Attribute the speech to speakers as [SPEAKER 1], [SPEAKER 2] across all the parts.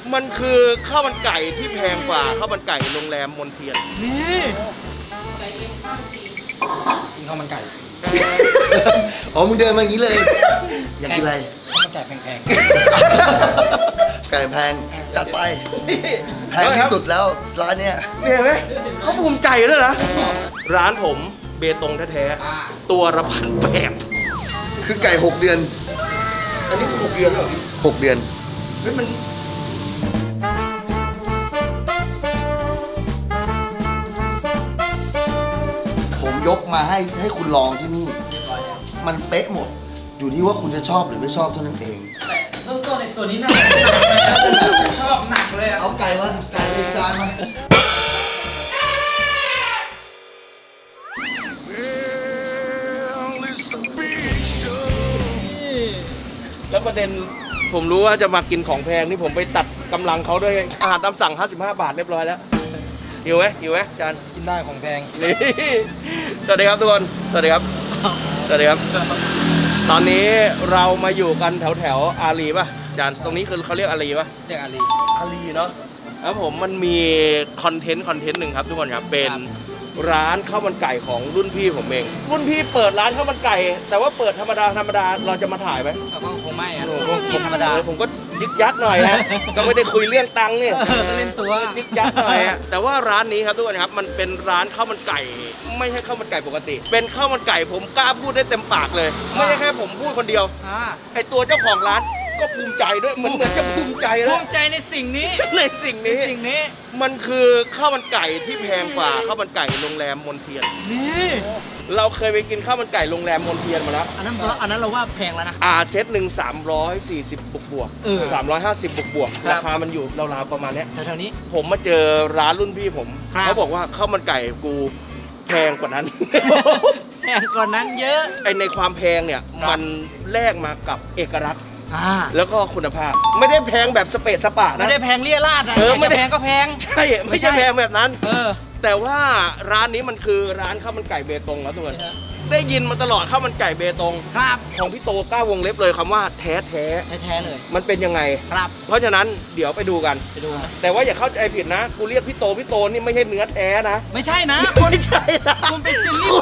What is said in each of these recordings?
[SPEAKER 1] มันคือข้าวมันไก่ที่แพงกว่าข้าวมันไก่โรงแรมมนเทียน
[SPEAKER 2] นี่กินข้าวมันไก่
[SPEAKER 3] อ๋อมึงเดินมาอย่างนี้เลย อยากกินอะไร
[SPEAKER 2] ข้าวมันไก่แพง
[SPEAKER 3] ไก่แพงจัดไปแพงที่สุดแล้วร้านเนี้ย
[SPEAKER 1] เนี่ยเห็นไหมเขาภูมิใจด้วยนะร้านผมเบตงแท้ๆตัวละ1,800
[SPEAKER 3] คือไก่6 เดือน
[SPEAKER 1] อันนี้คือ6 เดือนเหรอ
[SPEAKER 3] 6 เดือน
[SPEAKER 1] เฮ้ยมัน
[SPEAKER 3] ผมยกมาให้คุณลองที่นี่ มันเป๊ะหมด อยู่ที่ว่าคุณจะชอบหรือไม่ชอบเท่านั้นเอง
[SPEAKER 2] ๆแต่เริ่มต้นในตัวนี้น่าชอบหนักเลยอะ
[SPEAKER 3] เอาไก่มาไก่ในจานมา
[SPEAKER 1] แล้วประเด็นผมรู้ว่าจะมากินของแพงนี่ผมไปตัดกำลังเขาด้วยอาหารตามสั่ง55 บาทเรียบร้อยแล้วหิวไหมอาจารย์
[SPEAKER 2] กินได้ของแพง
[SPEAKER 1] นี่ สวัสดีครับทุกคน สวัสดีครับ สวัสดีครับ ตอนนี้เรามาอยู่กันแถวอารีป่ะอาจารย์ตรงนี้คือเขาเรียกอารีป่ะ
[SPEAKER 2] เรียกอาลี
[SPEAKER 1] อารีเนาะครับผมมันมีคอนเทนต์หนึ่งครับทุกคนครับเป็นร้านข้าวมันไก่ของรุ่นพี่ผมเองรุ่นพี่เปิดร้านข้าวมันไก่ แต่ว่าเปิดธรรมดาเราจะมาถ่ายไหม
[SPEAKER 2] แต่ก็คงไม่อะ
[SPEAKER 1] โอ้โห
[SPEAKER 2] คงกินธรรมดา
[SPEAKER 1] ผมก็ยึกยักหน่อยฮะ ก็ไม่ได้คุยเรื่องตังค์นี่
[SPEAKER 2] ก็เล่นตัว
[SPEAKER 1] ยึกยักหน่อยฮะแต่ว่าร้านนี้ครับทุกคนครับมันเป็นร้านข้าวมันไก่ ไม่ใช่ข้าวมันไก่ปกติ เป็นข้าวมันไก่ผมกล้าพูดได้เต็มปากเลย ไม่ใช่แค่ผมพูดคนเดียว ไอตัวเจ้าของร้านก็ภูมิใจด้วยเหมือนจะภูมิใจ
[SPEAKER 2] ภู
[SPEAKER 1] แล้ว
[SPEAKER 2] มิใจในสิ่งนี้
[SPEAKER 1] ในสิ่งนี้ มันคือข้าวมันไก่ที่แพงกว่าข้าวมันไก่โรงแรมมนเทียน
[SPEAKER 2] นี่
[SPEAKER 1] เราเคยไปกินข้าวมันไก่โรงแรมมนเทียนมาแล้ว
[SPEAKER 2] อันนั้นเราว่าแพงแล้วนะ
[SPEAKER 1] เซตหนึ่ง340บวก
[SPEAKER 2] เออ
[SPEAKER 1] 350บวก
[SPEAKER 2] ครับ
[SPEAKER 1] ราคามันอยู่ราวๆประมาณเนี้ย
[SPEAKER 2] แถวๆนี้
[SPEAKER 1] ผมมาเจอร้านรุ่นพี่ผม
[SPEAKER 2] ครับ
[SPEAKER 1] เขาบอกว่าข้าวมันไก่กูแพงกว่านั้น
[SPEAKER 2] แพงกว่านั้นเยอะ
[SPEAKER 1] ไอในความแพงเนี่ย
[SPEAKER 2] ครับ
[SPEAKER 1] มันแลกมากับเอกลักษณ์
[SPEAKER 2] อ่า
[SPEAKER 1] แล้วก็คุณภาพ ไม่ได้แพงแบบสเปซสปะ
[SPEAKER 2] ไม่
[SPEAKER 1] นะ
[SPEAKER 2] ได้แพงเลี่ยราดอะ
[SPEAKER 1] ไม่ได้
[SPEAKER 2] แพงก็แพง
[SPEAKER 1] ใช่ไม่ใช่แพงแบบนั้น
[SPEAKER 2] เออ
[SPEAKER 1] แต่ว่าร้านนี้มันคือร้านข้าวมันไก่เบตงแล้วทุกคนได้ยินมาตลอดข้าวมันไก่เบตง
[SPEAKER 2] ครับ
[SPEAKER 1] ของพี่โตกล้าวงเล็บเลยคำว่าแท้
[SPEAKER 2] แท้ๆเลย
[SPEAKER 1] มันเป็นยังไง
[SPEAKER 2] ครับ
[SPEAKER 1] เพราะฉะนั้นเดี๋ยวไปดูกัน
[SPEAKER 2] ไปดูนะ
[SPEAKER 1] แต่ว่าอย่าเข้าใจผิดนะ กูเรียกพี่โตนี่ไม่ใช่เนื้อแท้นะ
[SPEAKER 2] ไม่ใช่นะ
[SPEAKER 1] ไม่ใช่นะ
[SPEAKER 2] คุณเป็นซิลลี่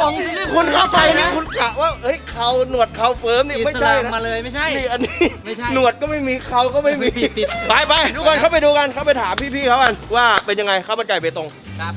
[SPEAKER 1] คุณเข้าไป
[SPEAKER 2] นะ
[SPEAKER 1] นะคุณกะว่าเฮ้ยเขาหนวดเขาเฟิร์มนี่ไม่ใช่
[SPEAKER 2] อิสลาม
[SPEAKER 1] นะ
[SPEAKER 2] มาเลยไม่ใช่
[SPEAKER 1] นี่อันนี้
[SPEAKER 2] ไม่ใช่
[SPEAKER 1] หนวดก็ไม่มีเขาก็ไม่มี
[SPEAKER 2] ปิด
[SPEAKER 1] ไปทุกคนเข้าไปดูกันเข้าไปถามพี่ๆเขากันว่าเป็นยังไงข้าวมันไก่เบตง
[SPEAKER 2] ครับ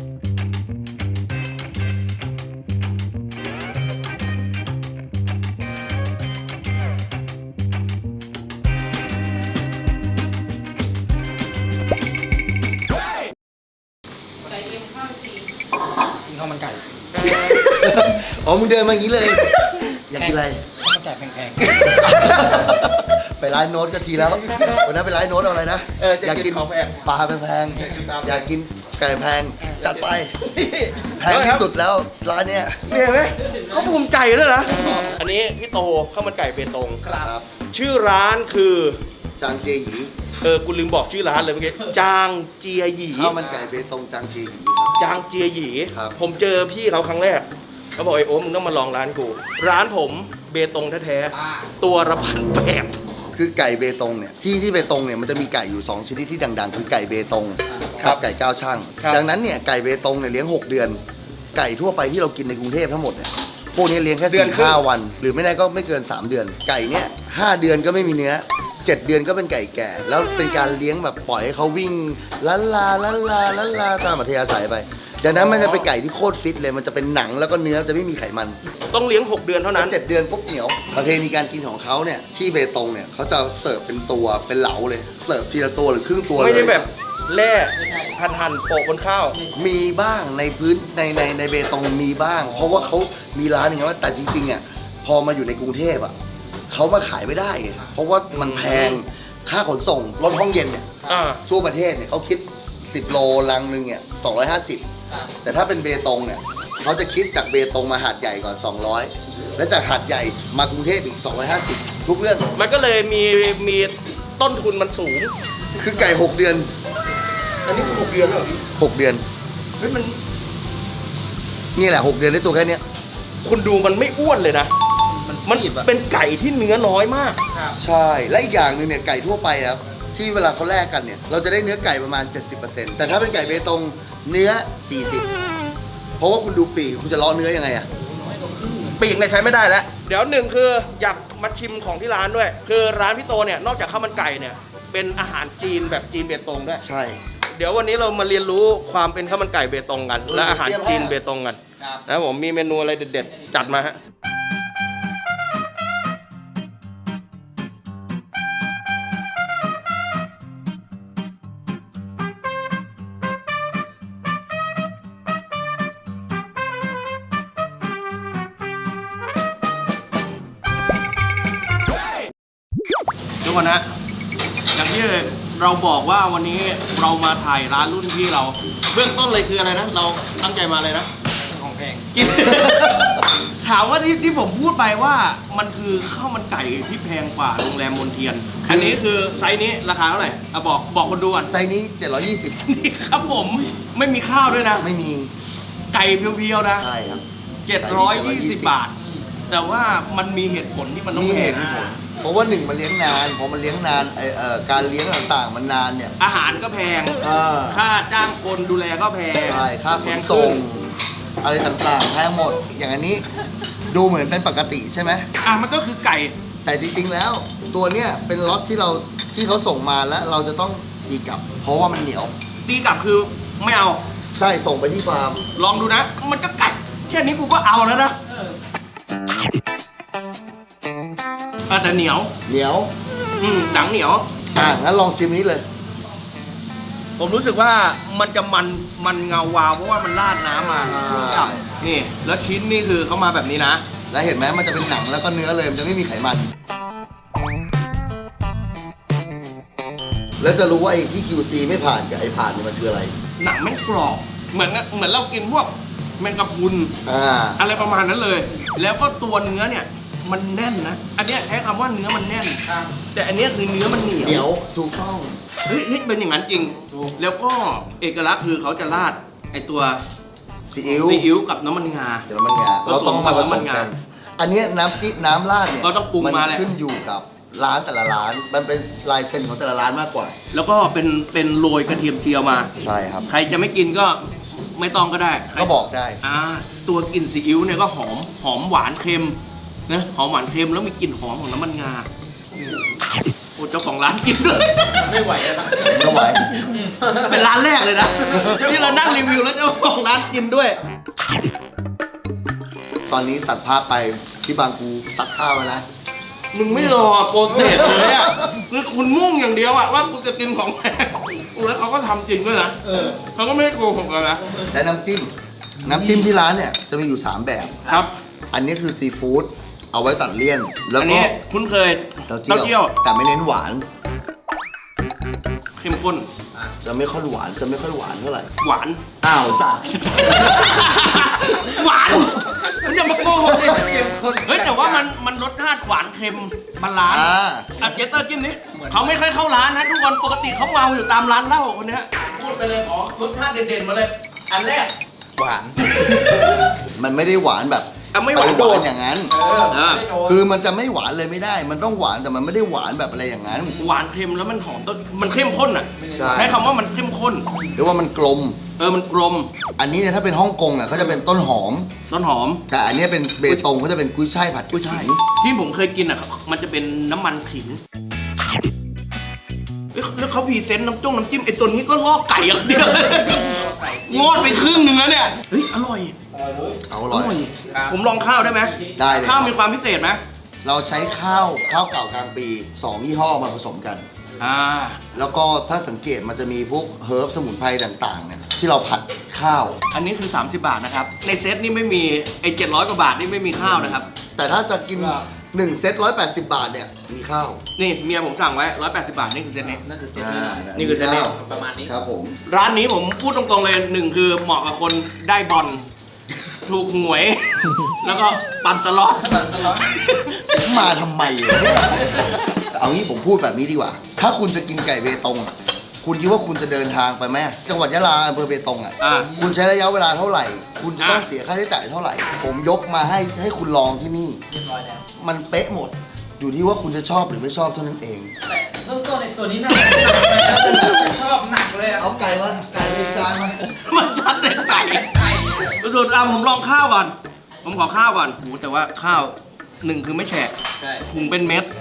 [SPEAKER 2] กินข้าวมันไก่
[SPEAKER 3] อ๋อมึงเดินมาอย่างนี้เลย อยากกินอะไร
[SPEAKER 2] ข้าวมันไก่แพง
[SPEAKER 3] ไปร้านโน้ตก็ทีแล้ววันนั้นไปร้านโน้ตเอาอะไรนะ
[SPEAKER 1] จะกินของแพง
[SPEAKER 3] ปลาแพงๆอยากกินไก่แพงจัดไปแพงที่สุดแล้วร้านเนี้ย
[SPEAKER 1] เนี่ยเห็นไหมเขาภูมิใจด้วยนะอันนี้พี่โตข้าวมันไก่เบตง
[SPEAKER 3] ครับ
[SPEAKER 1] ชื่อร้านคือ
[SPEAKER 3] จางเจียหยี
[SPEAKER 1] กูลืมบอกชื่อร้านเลยเมื่อกี้จางเจียหยี
[SPEAKER 3] ข้าวมันไก่เบตงจางเจียหยี
[SPEAKER 1] จางเจียหยี
[SPEAKER 3] ครับ
[SPEAKER 1] ผมเจอพี่เขาครั้งแรกเขาบอกไอ้โอ้มึงต้องมาลองร้านกูร้านผมเบตงแท้
[SPEAKER 2] ๆ
[SPEAKER 1] ๆตัวละ1,800
[SPEAKER 3] คือไก่เบตงเนี่ยที่เบตงเนี่ยมันจะมีไก่อยู่2ชนิดที่ดังๆ คือไก่เบตง
[SPEAKER 1] ครั
[SPEAKER 3] กับ ไก่ก้าวช่าง
[SPEAKER 1] ครับ
[SPEAKER 3] ดังนั้นเนี่ยไก่เบตงเนี่ยเลี้ยง6 เดือน ไก่ทั่วไปที่เรากินในกรุงเทพทั้งหมดเนี่ยพวกนี้เลี้ยงแค่4-5 วัน หรือไม่ได้ก็ไม่เกิน3 เดือน ไก่เนี่ย5 เดือนก็ไม่มีเนื้อ 7 เดือนก็เป็นไก่แก่ แล้วเป็นการเลี้ยงแบบปล่อยให้เขาวิ่งลันลาตามอัธยาศัยไป ดังนั้นมันจะเป็นไก่ที่โคตรฟิตเลยมันจะเป็นหนังแล้วก็เนื้อจะไม่มีไขมัน
[SPEAKER 1] ต้องเลี้ยง6 เดือนเท่านั้น
[SPEAKER 3] 7 เดือนปุ๊บเหนียวประเพณีการกินของเขาเนี่ยที่เบตงเนี่ยเขาจะเสิร์ฟเป็นตัวเป็นเหลาเลยเสิร์ฟทีละตัวหรือครึ่งตัวเลย
[SPEAKER 1] ไม่ใช่แบบแร่หั่นโปะบนข้าว
[SPEAKER 3] มีบ้างในพื้นในเบตงมีบ้าง เพราะว่าเขามีร้านอย่างเงี้ยว่าแต่จริงๆอ่ะพอมาอยู่ในกรุงเทพอ่ะเขามาขายไม่ได้ไงเพราะว่ามันแพงค่าขนส่งรถห้องเย็นเนี่ย
[SPEAKER 1] อ่า
[SPEAKER 3] ทั่วประเทศเนี่ยเขาคิด10 โลลังหนึ่งเนี่ย250แต่ถ้าเป็นเบตงเนี่ยเขาจะคิดจากเบตงมาหาดใหญ่ก่อน200แล้วจากหาดใหญ่มากรุงเทพอีก250ทุกเรื่อง
[SPEAKER 1] มันก็เลยมีต้นทุนมันสูง
[SPEAKER 3] คือไก่6 เดือน
[SPEAKER 1] อันนี้คือ6 เดือนแล้วเหรอพี่
[SPEAKER 3] 6 เดือน
[SPEAKER 1] เฮ้ยมัน
[SPEAKER 3] นี่แหละ6 เดือนได้ตัวแค่เนี้ย
[SPEAKER 1] คุณดูมันไม่อ้วนเลยนะ มันเป็นไก่ที่เนื้อน้อยมาก
[SPEAKER 3] ใช่และอีกอย่างหนึ่งเนี่ยไก่ทั่วไปครับที่เวลาเขาแลกกันเนี่ยเราจะได้เนื้อไก่ประมาณ 70%แต่ถ้าเป็นไก่เบตงเนื้อ 40 เพราะว่าคุณดูปีกคุณจะเลาะเนื้อยังไงอะ
[SPEAKER 1] ปีกเนี่ยใช้ไม่ได้แล้ว เดี๋ยวหนึ่งคืออยากมาชิมของที่ร้านด้วย คือร้านพี่โตเนี่ยนอกจากข้าวมันไก่เนี่ยเป็นอาหารจีนแบบจีนเบตงด้วย
[SPEAKER 3] ใช่
[SPEAKER 1] เดี๋ยววันนี้เรามาเรียนรู้ความเป็นข้าวมันไก่เบตงกัน และอาหารจีนเบตงกันนะผมมีเมนูอะไรเด็ดๆจัดมาฮะทุกคนนะอย่างที่เราบอกว่าวันนี้เรามาถ่ายร้านรุ่นพี่เรา เบื้องต้นเลยคืออะไรนะ เราตั้งใจมาเลยนะของแพงกิน ถามว่าที่ผมพูดไปว่ามันคือข้าวมันไก่ที่แพงกว่าโรงแรมมนเทียน อันนี้คือไซส์นี้ราคาเท่าไหร่อ่ะบอกคนดูก่อน
[SPEAKER 3] ไซส์นี้ 720
[SPEAKER 1] นี่ครับผมไม่มีข้าวด้วยนะ
[SPEAKER 3] ไม่มี
[SPEAKER 1] ไก่เพียวๆนะ
[SPEAKER 3] ใช่ครับ
[SPEAKER 1] 720 บาท แต่ว่ามันมีเหตุผลที่มันต้อง
[SPEAKER 3] มี
[SPEAKER 1] แพ
[SPEAKER 3] เห
[SPEAKER 1] ง
[SPEAKER 3] ตุผลเพราะว่าหนึ่งมันเลี้ยงนานพอมันเลี้ยงนานการเลี้ยงต่างๆมันนานเนี่ย
[SPEAKER 1] อาหารก็แพง ค่าจ้างคนดูแลก็แพง
[SPEAKER 3] ใช่ค่าข
[SPEAKER 1] แพ
[SPEAKER 3] น
[SPEAKER 1] ง
[SPEAKER 3] ส่
[SPEAKER 1] ขึ้
[SPEAKER 3] ง
[SPEAKER 1] น
[SPEAKER 3] อะไรต่างๆแพงหมด อย่างอันนี้ดูเหมือนเป็นปกติใช่ไหม
[SPEAKER 1] มันก็คือไก่
[SPEAKER 3] แต่จริงๆแล้วตัวเนี้ยเป็นล็อตที่เขาส่งมาแล้วเราจะต้องตีกลับ เพราะว่ามันเหนียว
[SPEAKER 1] ตีกลับคือไม่เอา
[SPEAKER 3] ใช่ส่งไปที่ฟาร์ม
[SPEAKER 1] ลองดูนะ มันก็ไก่แค่นี้กูก็เอาแล้วนะแต่เหนียว
[SPEAKER 3] เหนียว
[SPEAKER 1] หนังเหนียว
[SPEAKER 3] งั้นลองชิมนี้เลย
[SPEAKER 1] ผมรู้สึกว่ามันจะมันเงาวาวเพราะว่ามันราดน้ำมา
[SPEAKER 3] ใช่
[SPEAKER 1] นี่ แล้วชิ้นนี่คือเขามาแบบนี้นะ
[SPEAKER 3] แล้วเห็นไหมมันจะเป็นหนังแล้วก็เนื้อเลยมันจะไม่มีไขมัน แล้วจะรู้ว่าไอ้ที่ QC ไม่ผ่านกับไอ้ผ่านเนี่ยมันคืออะไร
[SPEAKER 1] หนังไม่กรอบเหมือนเรากินพวกแมงกะพรุน อะไรประมาณนั้นเลย แล้วก็ตัวเนื้อเนี่ยมันแน่นนะ อันเนี้ยใช้คำว่าเนื้อมันแน่น แต่อันเนี้ยคือเนื้อมันเหนียว
[SPEAKER 3] เหนียวถูกต้อง
[SPEAKER 1] เฮ้ยเป็นอย่างนั้นจริง แล้วก็เอกลักษณ์คือเขาจะราดไอตัว
[SPEAKER 3] ซีอิ๊ว
[SPEAKER 1] ซีอิ๊วกับน้ำมันงา
[SPEAKER 3] เดี๋ยวมันงาเราต้องมาผสมกัน อันเนี้ยน้ำจิ้มน้ำราดเนี่ย
[SPEAKER 1] เราต้องปรุงมาแหละ
[SPEAKER 3] ขึ้นอยู่กับร้านแต่ละร้าน มันเป็นลายเซ็นของแต่ละร้านมากกว่า
[SPEAKER 1] แล้วก็เป็นโรยกระเทียมเจียวมา
[SPEAKER 3] ใช่ครับ
[SPEAKER 1] ใครจะไม่กินก็ไม่ต้องก็ได้ใคร
[SPEAKER 3] ก็บอกได้
[SPEAKER 1] ตัวกลิ่นซีอิ๊วเนี่ยก็หอมหวานเค็มนะหอมหวานเค็มแล้วมีกลิ่นหอมของน้ำมันงาโอ้เจ้าของร้านกินด้วยไม่ไหวแล้ว
[SPEAKER 3] ไม่ไหว
[SPEAKER 1] เป็นร้านแรกเลยนะที่เรานั่งรีวิวแล้วเจ้าของร้านกินด้วย
[SPEAKER 3] ตอนนี้ตัดภาพไปที่บางกูซักข้าวแล้วนะ
[SPEAKER 1] มึงไม่รอโปรเซสเลยอ่ะคือคุณมุ่งอย่างเดียวอ่ะว่ากูจะกินของแพงแล้วเขาก็ทำจริงด้วยนะเขาก็ไม่ได้โกหกกันนะ
[SPEAKER 3] และน้ำจิ้มที่ร้านเนี่ยจะมีอยู่ 3 แบบ
[SPEAKER 1] ครับ
[SPEAKER 3] อันนี้คือซีฟู้ดเอาไว้ตัดเลี่ยน แล้ว
[SPEAKER 1] อัน
[SPEAKER 3] ก็
[SPEAKER 1] นี้คุ้นเคย
[SPEAKER 3] เต้า
[SPEAKER 1] เต้า
[SPEAKER 3] เจี้
[SPEAKER 1] เจี้
[SPEAKER 3] ย
[SPEAKER 1] ยว ว
[SPEAKER 3] แต่ไม่เน้นหวาน
[SPEAKER 1] เข้มข้น
[SPEAKER 3] จะไม่ค่อยหวานจะไม่ค่อยหวานเท่าไหร่
[SPEAKER 1] หวาน
[SPEAKER 3] อ้าวสัตว์
[SPEAKER 1] หวานมันจะมาโกหกดิเฮ้ยแต่ว่ามันรสชาติหวานเค็มบาลานซ์เจเตอร์จิ้มนี้เขาไม่ค่อยเข้าร้านนะทุกคนปกติเขาเมาอยู่ตามร้านเหล้าคนเนี้ยพูดไปเลยขอรสชาติเด่นๆมาเลย อันแรกหวาน
[SPEAKER 3] มันไม่ได้หวานแบบ
[SPEAKER 1] ไม่หวานโดด
[SPEAKER 3] อย่างนั้น คือมันจะไม่หวานเลยไม่ได้ มันต้องหวานแต่มันไม่ได้หวานแบบอะไรอย่างนั้น
[SPEAKER 1] หวานเค็มแล้วมันหอมต้นมันเข้มข้นอ่ะ
[SPEAKER 3] ใช่
[SPEAKER 1] ใช้คำว่ามันเข้มข้น
[SPEAKER 3] หรือว่ามันกลม
[SPEAKER 1] มันกลม
[SPEAKER 3] อันนี้เนี่ยถ้าเป็นฮ่องกงอ่ะเขาจะเป็นต้นหอม
[SPEAKER 1] ต้นหอม
[SPEAKER 3] แต่อันเนี้ยเป็นเบตงเขาจะเป็นกุ้ยช่ายผัดกุ้ยช่าย
[SPEAKER 1] ที่ผมเคยกินอ่ะมันจะเป็นน้ำมันขิงแล้วเขาพรีเซนต์น้ำจิ้มไอ้ตัวนี้ก็ลอกไก่อย่างเดียวงอดไปครึ่งหนึงแล้วเนี่ยเฮ้ยอร่อย
[SPEAKER 3] เอาอร่อย
[SPEAKER 1] ผมลองข้าวได้ไหม
[SPEAKER 3] ได้เลย
[SPEAKER 1] ข้าวมีความพิเศษไหม
[SPEAKER 3] เราใช้ข้าวเก่ากลางปี2ยี่ห้อมาผสมกัน แล้วก็ถ้าสังเกตมันจะมีพวกเฮิร์บสมุนไพรต่างๆเนี่ยที่เราผัดข้าว
[SPEAKER 1] อันนี้คือ30 บาทนะครับในเซตนี่ไม่มีไอ้700กว่าบาทนี่ไม่มีข้าวนะครับ
[SPEAKER 3] แต่ถ้าจะกิน1เซต180 บาทเนี่ยมีข้าว
[SPEAKER 1] นี่เมียผมสั่งไว้180 บาทนี่คือเซตนี้
[SPEAKER 2] นั่นคือเซต
[SPEAKER 1] นี่คือเซตนี้
[SPEAKER 2] ประมาณนี้
[SPEAKER 3] ครับผม
[SPEAKER 1] ร้านนี้ผมพูดตรงๆเลยหนึ่งคือเหมาะกับคนได้บอลถูกหวย แล้วก็ปั่นสล็อต
[SPEAKER 3] มาทำไมวะเนี่ยเอางี้ผมพูดแบบนี้ดีกว่า ถ้าคุณจะกินไก่เบตงอะคุณคิดว่าคุณจะเดินทางไปไหมจังหวัดยะลาอำเภอเบตงอ่ะ คุณใช้ระยะเวลาเท่าไหร่ คุณจะต้องเสียค่าใช้จ่ายเท่าไหร่ ผมยกมาให้คุณลองที่นี่
[SPEAKER 2] เรียบร้อยแล้ว
[SPEAKER 3] มันเป๊ะหมด อยู่ที่ว่าคุณจะชอบหรือไม่ชอบเท่านั้นเอง
[SPEAKER 2] แต่นริ่มต้นในตัวนี้น่าจะหนักเลยนะแต่แบบชอบหนักเลยอะ
[SPEAKER 3] เอาไก่มาไก่ในจานมา
[SPEAKER 1] มันซัดในไก่สุดๆผมลองข้าวก่อน ผมขอข้าวก่อนโหแต่ว่าข้าวหนึ่งคือไม่แฉะหุงเป็นเม็ด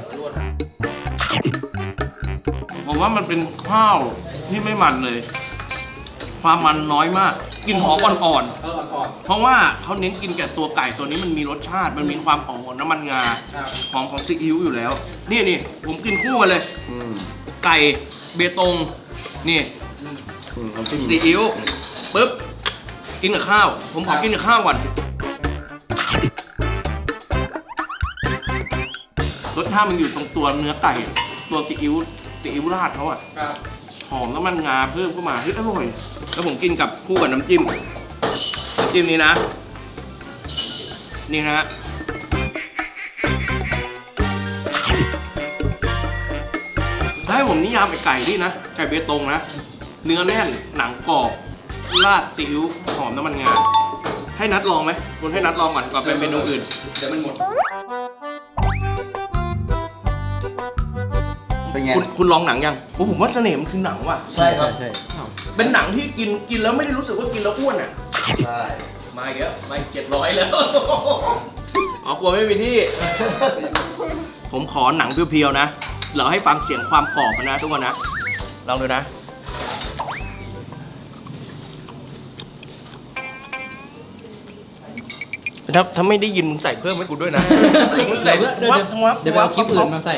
[SPEAKER 1] ผมว่ามันเป็นข้าวที่ไม่มันเลย ความมันน้อยมากกลิ่นหอมอ่อน
[SPEAKER 2] อ่อน
[SPEAKER 1] ๆ เพราะว่าเขาเน้นกินแก่ตัวไก่ตัวนี้มันมีรสชาติ มันมีความหอมของน้ำมันงา
[SPEAKER 2] ๆครับ
[SPEAKER 1] หอมของซีอิ๊วอยู่แล้ว นี่ผมกินคู่กันเลย
[SPEAKER 3] อืม
[SPEAKER 1] ไก่เบตงนี่
[SPEAKER 3] น้ำจิ้ม
[SPEAKER 1] ซีอิ๊วปุ๊บกินกับข้าว ผมขอกินกับข้าวก่อนรสชาติมันอยู่ตรงตัวเนื้อไก่ ตัวซีอิ๊วราดเขาอะ
[SPEAKER 2] ครับ
[SPEAKER 1] หอมน้ำมันงาเพิ่มเข้ามาเฮ้ยอร่อย แล้วผมกินกับคู่กับน้ำจิ้มนี้นะ นี่นะฮะถ้าให้ผมนิยามไก่นี่นะ ไก่เบตงนะ เนื้อแน่น หนังกรอบ ราดซีอิ๊วหอมน้ำมันงา ให้นัดลองไหมคุณให้นัดลองก่อนก่อนเป็นเมนูอื่น เดี๋ยวมันหมด
[SPEAKER 3] เป็นไง
[SPEAKER 1] คุณลองหนังยังโอ้ผมว่าเสน่ห์มันคือหนังว่ะ
[SPEAKER 3] ใช่ครับ
[SPEAKER 1] เป็นหนังที่กินแล้วไม่ได้รู้สึกว่ากินแล้วอ้วนอ่ะ
[SPEAKER 3] ใช่
[SPEAKER 1] มาอีกแล้วมา700แล้ว อ๋อกลัวไม่มีที่ ผมขอหนังเพียวๆนะ เราให้ฟังเสียงความกรอบนะทุกคนนะ ลองดูนะถ้าไม่ได้ยินมึงใส่เพิ่มให้กูด้วยนะมึงใส่วับวับ
[SPEAKER 2] เดี๋ยวไปเอาคลิปอื่นมาใส่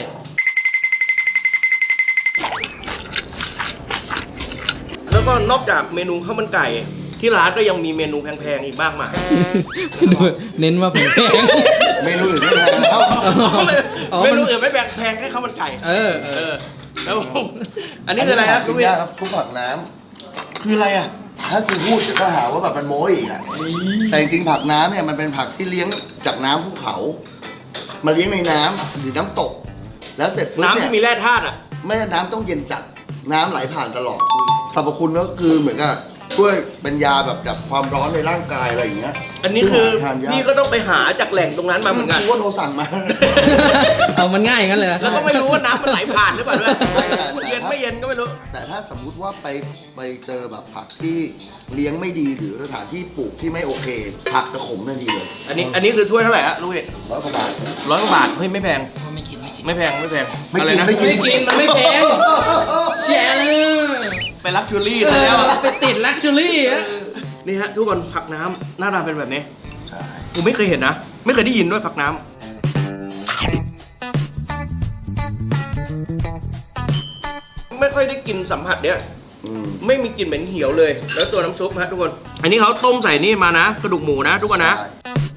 [SPEAKER 1] แล้วก็นอกจากเมนูข้าวมันไก่ ที่ร้านก็ยังมีเมนูแพงๆอีกมากมาย
[SPEAKER 2] เน้นว่าแพง
[SPEAKER 3] เมนูอื่นไม่แพงแล้ว
[SPEAKER 2] อ๋อ
[SPEAKER 1] เมนูอื่นไม่แพงแค่ข้าวมันไก่
[SPEAKER 2] เออ
[SPEAKER 1] แล้วผมอันนี้คืออะไรครับ
[SPEAKER 3] กิ
[SPEAKER 1] ทุก
[SPEAKER 3] น
[SPEAKER 1] เวีย
[SPEAKER 3] ยากครับซุปผักน้
[SPEAKER 1] คืออะไรอ่ะ
[SPEAKER 3] ำถ้ากูพูดเดี๋ยวก็หาว่าแบบมันโม้อีกอ่ะแต่จริงๆผักน้ำเนี่ยมันเป็นผักที่เลี้ยงจากน้ำภูเขา มาเลี้ยงในน้ำหรือน้ำตก แล้วเสร็จปุ๊บ
[SPEAKER 1] น้ำ
[SPEAKER 3] เนี่ย
[SPEAKER 1] ที่มีแร่ธาตุอ่ะ
[SPEAKER 3] ไม่ใช่น้ำต้องเย็นจัด น้ำไหลผ่านตลอดสรรพคุณก็คือเหมือนกับช่วยเป็นยาแบบดับความร้อนในร่างกายอะไรอย่างเงี้ย
[SPEAKER 1] อันนี้คือ
[SPEAKER 3] ทานยาก
[SPEAKER 1] พี่ก็ต้องไปหาจากแหล่งตรงนั้นมาเหมือนกัน
[SPEAKER 3] กูว่าโทรสั่งมา
[SPEAKER 2] เอามันง่ายอย่างนั้นเลย
[SPEAKER 1] แล้วก็ไม่รู้ว่าน้ำมันไหลผ่านหรือเปล่าด้วย
[SPEAKER 3] ไม่
[SPEAKER 1] เย็นไม่เย็นก็ไม่รู้
[SPEAKER 3] แต่ถ้าสมมุติว่าไปเจอแบบผักที่เลี้ยงไม่ดีหรือสถานที่ปลูกที่ไม่โอเค ผักจะขมทันทีเลย
[SPEAKER 1] อันนี้คือถ้วยเท่าไหร่ฮะลูกเอก
[SPEAKER 3] 100 กว่าบาท
[SPEAKER 1] 100 กว่าบาทเฮ้ยไม่แพงไม่แพง
[SPEAKER 3] ไม่
[SPEAKER 1] อะไร
[SPEAKER 3] กิน
[SPEAKER 1] นะ
[SPEAKER 3] ไม่กิน
[SPEAKER 2] ไม่กินมันไม่แพงแชร์เลย
[SPEAKER 1] ไปลักชูรี่ซะแล้วอะ
[SPEAKER 2] ไปติดลักชัวรี่อะ
[SPEAKER 1] นี่ฮะทุกคนผักน้ำหน้าตาเป็นแบบนี้
[SPEAKER 3] ใช่
[SPEAKER 1] ผมไม่เคยเห็นนะ ไม่เคยได้ยินด้วยผักน้ำไม่ค่อยได้กินสัมผัสเนี้ย
[SPEAKER 3] อืม
[SPEAKER 1] ไม่มีกลิ่นเหม็นเหี่ยวเลย แล้วตัวน้ำซุปฮะทุกคน อันนี้เขาต้มใส่นี่มานะกระดูกหมูนะทุกคนนะ
[SPEAKER 3] ใช่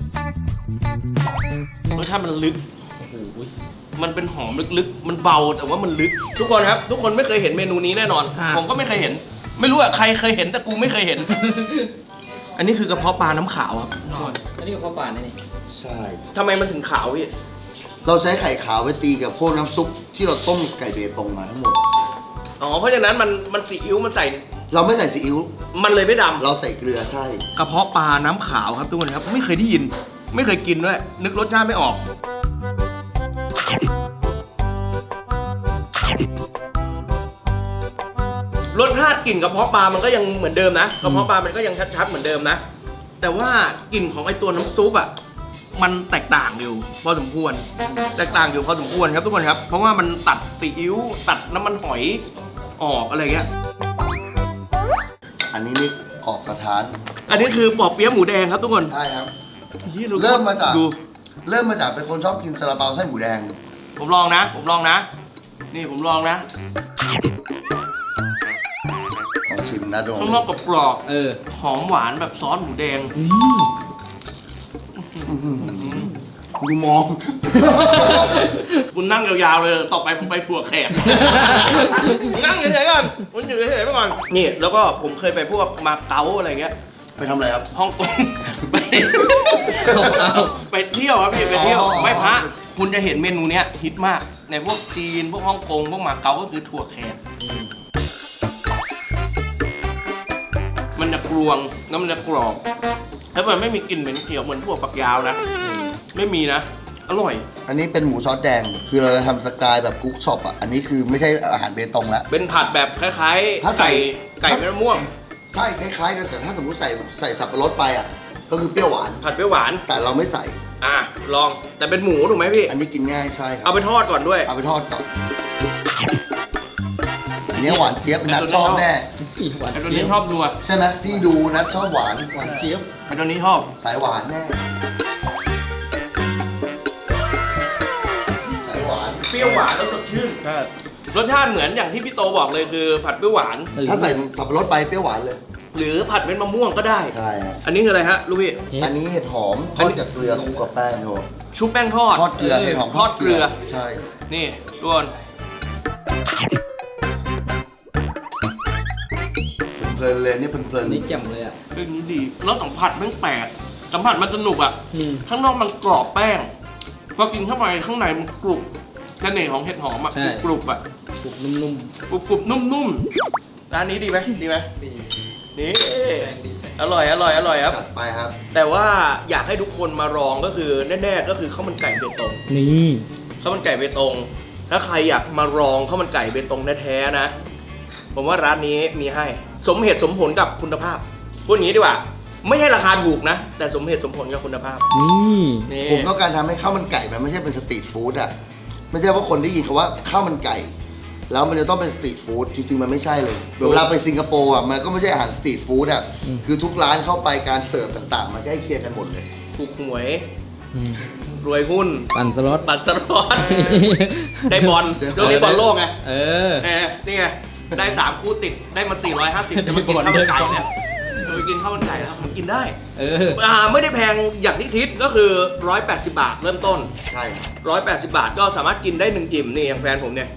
[SPEAKER 1] รสชาติมันลึกโอ้โหมันเป็นหอมลึกๆ มันเบาแต่ว่ามันลึก ทุกคนครับ ทุกคนไม่เคยเห็นเมนูนี้แน่นอน ผมก็ไม่เคยเห็น ไม่รู้อะใครเคยเห็นแต่กูไม่เคยเห็น อันนี้คือกระเพาะปลาน้ำขาวครับ
[SPEAKER 2] อันนี้กับข้าวป่านนี่
[SPEAKER 3] ใช่
[SPEAKER 1] ทำไมมันถึงขาวพี่
[SPEAKER 3] เราใช้ไข่ขาวไปตีกับพวกน้ำซุปที่เราต้มไก่เบตงมาทั้งหมด
[SPEAKER 1] อ๋อ เพราะฉะนั้นมันซีอิ๊วมันใส่
[SPEAKER 3] เราไม่ใส่ซีอิ๊ว
[SPEAKER 1] มันเลยไม่ดำ
[SPEAKER 3] เราใส่เกลือใช่
[SPEAKER 1] กระเพาะปลาน้ำขาวครับทุกคนครับ ไม่เคยได้ยิน ไม่เคยกินด้วย นึกรสชาติไม่ออก รสชาติกลิ่นกระเพาะปลามันก็ยังเหมือนเดิมนะกระเพาะปลามันก็ยังชัดๆเหมือนเดิมนะ แต่ว่ากลิ่นของไอตัวน้ำซุปอ่ะมันแตกต่างอยู่พอสมควร แตกต่างอยู่พอสมควรครับทุกคนครับ เพราะว่ามันตัดซีอิ๊วตัดน้ำมันหอยออกอะไรเงี้ย
[SPEAKER 3] อันนี้นี่กรอบสะท้าน
[SPEAKER 1] อันนี้คือปอเปี๊ยะหมูแดงครับทุกคน
[SPEAKER 3] ใช่ครับ
[SPEAKER 1] หี้ย
[SPEAKER 3] เริ่มมาจาก
[SPEAKER 1] ดู
[SPEAKER 3] เริ่มมาจากเป็นคนชอบกินซาลาเปาไส้หมูแดง
[SPEAKER 1] ผมลองนะ นี่ผมลองนะ
[SPEAKER 3] ลองชิมนะโดน
[SPEAKER 1] ข้างนอกกรอบ
[SPEAKER 2] เออ
[SPEAKER 1] ๆหอมหวานแบบซอสหมูแดง
[SPEAKER 3] กูมอง
[SPEAKER 1] คุณนั่งยาวๆเลย ต่อไปผมไปถั่วแขก นั่งเฉยๆก่อนคุณอยู่เฉยๆไปก่อน นี่ แล้วก็ผมเคยไปพวกมาเก๊าอะไรเงี้ย
[SPEAKER 3] ไปทำอะไรครับ
[SPEAKER 1] ฮ่องกง
[SPEAKER 2] เอา
[SPEAKER 1] ไปเที่ยวครับพี่ไปเที่ยว
[SPEAKER 3] อ๋อ
[SPEAKER 1] ไหว้พระคุณจะเห็นเมนูเนี้ยฮิตมาก ในพวกจีน พวกฮ่องกง พวกมาเก๊าก็คือถั่วแขก มันจะกรวงแล้วมันจะกรอบ แล้วมันไม่มีกลิ่นเหม็นเขียวเหมือนถั่วฝักยาวนะ ไม่มีนะ อร่อย
[SPEAKER 3] อันนี้เป็นหมูซอสแดงคือเราจะทำสกายแบบคุกช็อปอ่ะอันนี้คือไม่ใช่อาหารเบตงแล้ว
[SPEAKER 1] เป็นผัดแบบคล้ายๆ
[SPEAKER 3] ถ้าใส่
[SPEAKER 1] ไก่เม็ดมะม่วง
[SPEAKER 3] ใช่คล้ายๆกันแต่ถ้าสมมติใส่สับปะรดไปอ่ะก็คือเปรี้ยวหวาน
[SPEAKER 1] ผัดเปรี้ยวหวาน
[SPEAKER 3] แต่เราไม่ใส่
[SPEAKER 1] ลองแต่เป็นหมูถูกไหมพี่
[SPEAKER 3] อันนี้กินง่ายใช่ครั
[SPEAKER 1] เอาไปทอดก่อนด้วย
[SPEAKER 3] เอาไปทอดก่อนอันนี้หวานเจี๊ยบนัดชอบแน่
[SPEAKER 4] หวาน
[SPEAKER 1] ไอ้ตัว
[SPEAKER 4] เจี๊
[SPEAKER 1] นี้
[SPEAKER 4] ยบ
[SPEAKER 1] ชอบนัว
[SPEAKER 3] ใช่ไหมพี่ดูนัดชอบหวาน
[SPEAKER 4] หวานเจี๊ยบ
[SPEAKER 1] ไอ้ตัวนี้ชอบ
[SPEAKER 3] สายหวานแน่สายหวาน
[SPEAKER 1] เปรี้ยวหวานแล้วสดชื่นรสชาติเหมือนอย่างที่พี่โตบอกเลยคือผัดเปรี้ยวหวาน
[SPEAKER 3] ถ้าใส่สับปะรดไปเปรี้ยวหวานเลย
[SPEAKER 1] หรือผัดเม็ดมะม่วงก็ได้
[SPEAKER 3] ใช่ครับ
[SPEAKER 1] อันนี้คืออะไรฮะลูกพี่
[SPEAKER 3] อันนี้เห็ดหอมทอดกับเกลือคลุกกับแป้งครับผม
[SPEAKER 1] ชุบแป้งทอด
[SPEAKER 3] ทอดเกลือเห็ดหอม
[SPEAKER 1] ทอดเกลือ
[SPEAKER 3] ใช่
[SPEAKER 1] นี่ทุกคน
[SPEAKER 3] เพลินเลยนี่เพลิน
[SPEAKER 4] นี่แจ่มเลยอ่ะ
[SPEAKER 1] เรื่องนี้ดีแล้วสัมผัสแม่งแปลกสัมผัสมันสนุกอ่ะ
[SPEAKER 4] อืม
[SPEAKER 1] ข้างนอกมันกรอบแป้งพอกินเข้าไปข้างในมันกรุบเสน่ห์ของเห็ดหอมอ่ะ
[SPEAKER 4] ใช่
[SPEAKER 1] กรุบอ่ะ
[SPEAKER 4] กรุบนุ่ม
[SPEAKER 1] กรุบกรุบนุ่มๆร้านนี้ดีไหมดีไหม
[SPEAKER 2] ดี
[SPEAKER 1] นี่อร่อยครับ
[SPEAKER 3] จัดไปครับ
[SPEAKER 1] แต่ว่าอยากให้ทุกคนมาลองก็คือแน่ๆก็คือข้าวมันไก่เบตง
[SPEAKER 4] ๆ นี่
[SPEAKER 1] ข้าวมันไก่เบตง ถ้าใครอยากมาลองข้าวมันไก่เบตงแท้ๆนะ ผมว่าร้านนี้มีให้ สมเหตุสมผลกับคุณภาพ พูดอย่างนี้ดีกว่า ไม่ใช่ราคาถูกนะ แต่สมเหตุสมผลกับคุณภาพ
[SPEAKER 4] นี่
[SPEAKER 1] นี่
[SPEAKER 3] ผมต้องการทำให้ข้าวมันไก่มันไม่ใช่เป็นสตรีทฟู้ดอ่ะไม่ใช่ว่าคนได้ยินคำว่าข้าวมันไก่ แล้วมันจะต้องเป็นสตรีทฟู้ดจริงๆมันไม่ใช่เลยเวลาไปสิงคโปร์อ่ะมันก็ไม่ใช่อาหารสตรีทฟู้ดอ่ะคือทุกร้านเข้าไปการเสิร์ฟต่างๆ มันใกล้เคียงกันหมดเลย
[SPEAKER 1] ถูกหวย
[SPEAKER 4] อืม
[SPEAKER 1] รวยหุ้น
[SPEAKER 4] ปั่นสล็อต
[SPEAKER 1] บัตรสลอตได้บอลเรื่องนี้บอลโลกไง
[SPEAKER 4] เออ
[SPEAKER 1] นี่ไง ได้ 3 คู่ติด ได้มา 450 จะมากินข้าวมันไก่แล้วจะไปกินข้าวมันไก่แล้วมันกินได้
[SPEAKER 4] เออ
[SPEAKER 1] ไม่ได้แพงอย่างที่คิดก็คือ 180 บาทเริ่มต้น
[SPEAKER 3] ใช่
[SPEAKER 1] 180 บาทก็สามารถกินได้1อิ่มนี่อย่างแฟนผมเนี่ย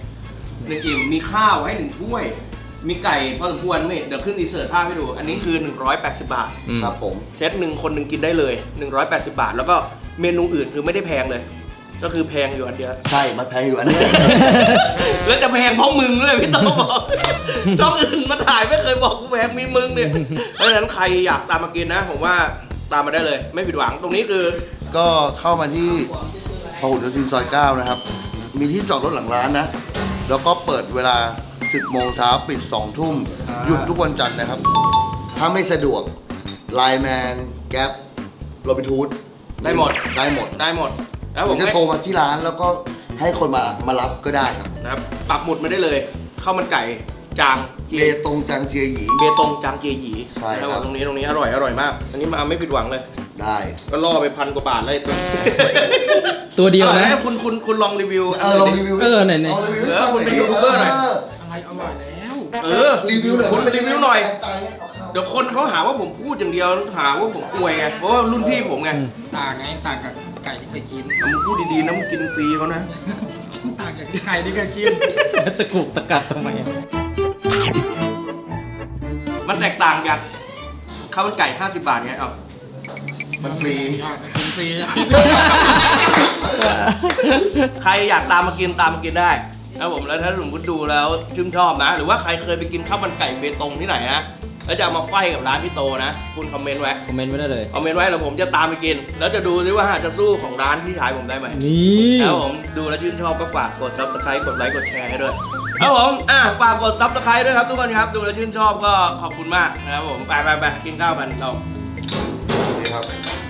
[SPEAKER 1] 1อิ่มมีข้าวให้1ถ้วย มีไก่พอสมควรนี่เดี๋ยวขึ้นอินเสิร์ตภาพให้ดู อันนี้คือ 180 บาท
[SPEAKER 3] ครับผม
[SPEAKER 1] เซตหนึ่งคนหนึ่งกินได้เลย 180 บาท แล้วก็เมนูอื่นคือไม่ได้แพงเลย ก็คือแพงอยู่อันเดียว
[SPEAKER 3] ใช่มันแพงอยู่อันนี้
[SPEAKER 1] แล้วจะแพงเพราะมึงด้วยพี่โตบอกช่องอื่นมาถ่ายไม่เคยบอกกูแพงมีมึงเนี่ยเพราะฉะนั้นใครอยากตามมากินนะ ผมว่าตามมาได้เลย ไม่ผิดหวังตรงนี้คือ
[SPEAKER 3] ก็เข้ามาที่พหลโยธินซอย 9 นะครับ มีที่จอดรถหลังร้านนะ แล้วก็เปิดเวลา 10 โมงเช้าปิด 2 ทุ่ม หยุดทุกวันจันทร์นะครับ ถ้าไม่สะดวกไลน์แมนแก๊ปโรบินทูด
[SPEAKER 1] ได้หมด
[SPEAKER 3] ได้หมด
[SPEAKER 1] ได้หมด แล้ว
[SPEAKER 3] ห
[SPEAKER 1] ผ
[SPEAKER 3] รื
[SPEAKER 1] ม
[SPEAKER 3] อจะโทรมาที่ร้านแล้วก็ให้คนมารับก็ได้ครับ
[SPEAKER 1] นะครับปักหมุดมาได้เลยข้าวมันไก่จางเจี
[SPEAKER 3] เบ
[SPEAKER 1] ย
[SPEAKER 3] ตงจังเจียหยี
[SPEAKER 1] เบตงจางเจียหยี
[SPEAKER 3] ใช่ครับ
[SPEAKER 1] ตรงนี้อร่อยมาก อันนี้มาไม่ผิดหวังเลย
[SPEAKER 3] ได้
[SPEAKER 1] ก็ล่อไป1,000 กว่าบาทเลยตัว
[SPEAKER 4] ตัวเดียวนะ
[SPEAKER 1] ให้คุณลองรีวิว
[SPEAKER 3] ลองรีวิว
[SPEAKER 4] เออไหนๆ
[SPEAKER 3] ลองรีวิว
[SPEAKER 1] เออคุณเป็นยูทูบเบอร์หน่อย
[SPEAKER 2] อะไรอร่อยแล้ว
[SPEAKER 3] รีวิวหน่อย
[SPEAKER 1] คุณไปรีวิวหน่อย
[SPEAKER 3] ตายแล้วเอาเข้า
[SPEAKER 1] เดี๋ยวคนเขาหาว่าผมพูดอย่างเดียวหาว่าผมอวยไงเพราะว่ารุ่นพี่ผมไง
[SPEAKER 2] ต่างไงต่างกับไก่ที่เคยกิน
[SPEAKER 1] มึงพูดดีๆนะมึงกินฟรีเขานะ
[SPEAKER 2] ต่างกับไก่ที่เคยกิน
[SPEAKER 4] ตะกุกตะกักทำไม
[SPEAKER 1] มันแตกต่างจากข้าวมันไก่ 50 บาทไงเอา
[SPEAKER 3] มันฟรี
[SPEAKER 2] กินฟรี
[SPEAKER 1] ใครอยากตามมากินได้นะครับผมแล้วถ้าสมมติดูแล้วชื่นชอบนะ หรือว่าใครเคยไปกินข้าวมันไก่เบตงที่ไหนนะแล้วจะเอามาไฟกับร้านพี่โตนะ คุณคอมเมนต์ไว้
[SPEAKER 4] คอมเมนต์ไว้ได้เลย
[SPEAKER 1] คอมเมนต์ไว้แล้วผมจะตามไปกิน แล้วจะดูดิว่าจะสู้ของร้านพี่ชายผมได้ไหม
[SPEAKER 4] นี่
[SPEAKER 1] แล้วผมดูแล้วชื่นชอบก็ฝากกด subscribe กดไลค์กดแชร์ให้ด้วยครับผมฝากกด subscribe ด้วยครับทุกคนครับดูแล้วชื่นชอบก็ขอบคุณมากนะครับผมไปกินข้าวกันเรา
[SPEAKER 3] นี่ครับ